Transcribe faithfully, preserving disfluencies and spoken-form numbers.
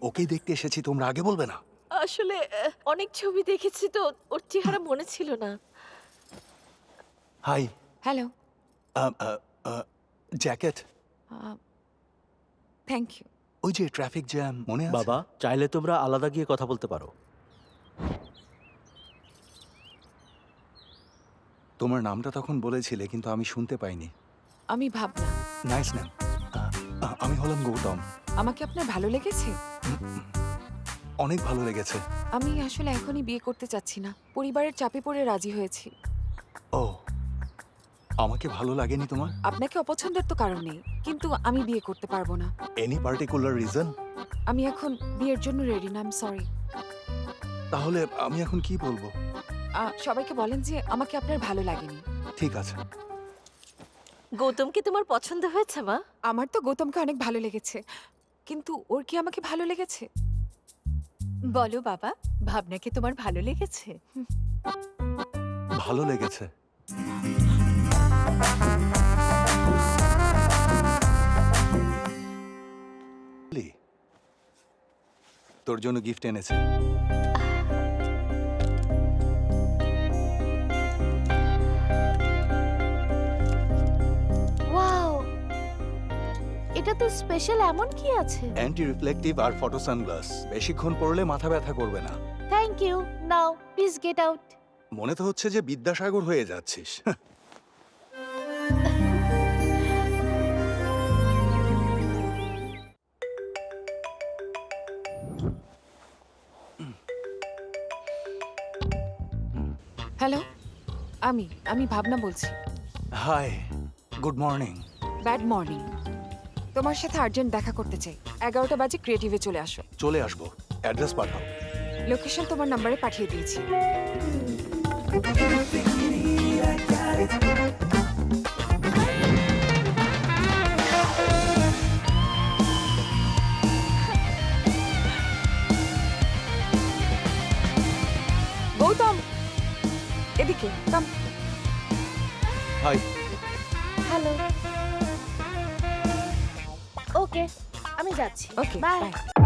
ওকেই দেখতে এসেছি, তোমরা আগে বলবে না? আসলে আহ, অনেক ছবি দেখেছি তো ওর চেহারা মনে ছিল না। Hi. Hello. Jacket. Thank you. ওই যে ট্রাফিক জ্যাম মনে আছে? বাবা, চাইলে তোমরা আলাদা গিয়ে কথা বলতে পারো। তোমার নামটা তখন বলেছিলে কিন্তু আমি শুনতে পাইনি। আমি ভাবনা। Nice name. আমি হলাম গৌতম। আমাকে আপনার ভালো লেগেছে? অনেক ভালো লেগেছে। আমি আসলে এখনই বিয়ে করতে চাচ্ছি না, পরিবারের চাপে পড়ে রাজি হয়েছি। ও, আমাকে ভালো লাগেনি তোমার? আপনাকে অপছন্দের তো কারণ নেই, কিন্তু আমি বিয়ে করতে পারবো না। Any particular reason? আমি এখন বিয়ের জন্য রেডি না, আই এম সরি। তাহলে আমি এখন কি বলবো? সবাইকে বলেন যে আমাকে আপনার ভালো লাগেনি। ঠিক আছে। গৌতমকে তোমার পছন্দ হয়েছে মা? আমার তো গৌতমকে অনেক ভালো লেগেছে, কিন্তু ওর কি আমাকে ভালো লেগেছে? বলো বাবা, ভাবনাকে তোমার ভালো লেগেছে? ভালো লেগেছে। লি, তোর জন্য গিফট এনেছে। ওয়াও, এটা তো স্পেশাল। এমন কি আছে? অ্যান্টি রিফ্লেকটিভ আর ফটো সানগ্লাস, বেশিক্ষণ পরলে মাথা ব্যথা করবে না। Thank you. Now please get out. মনে তো হচ্ছে যে বিদ্যাসাগর হয়ে যাচ্ছিস। হ্যালো, আমি আমি ভাবনা বলছি। High, good morning. Bad morning. তোমার সাথে আর্জেন্ট দেখা করতে চাই। এগারোটা বাজে ক্রিয়েটিভে চলে আসো। চলে আসবো, অ্যাড্রেস পাঠাও। লোকেশন তোমার নাম্বারে পাঠিয়ে দিয়েছি। গৌতম, এদিকে কাম। হাই। হ্যালো। ওকে, আমি যাচ্ছি। Okay, bye. বাই।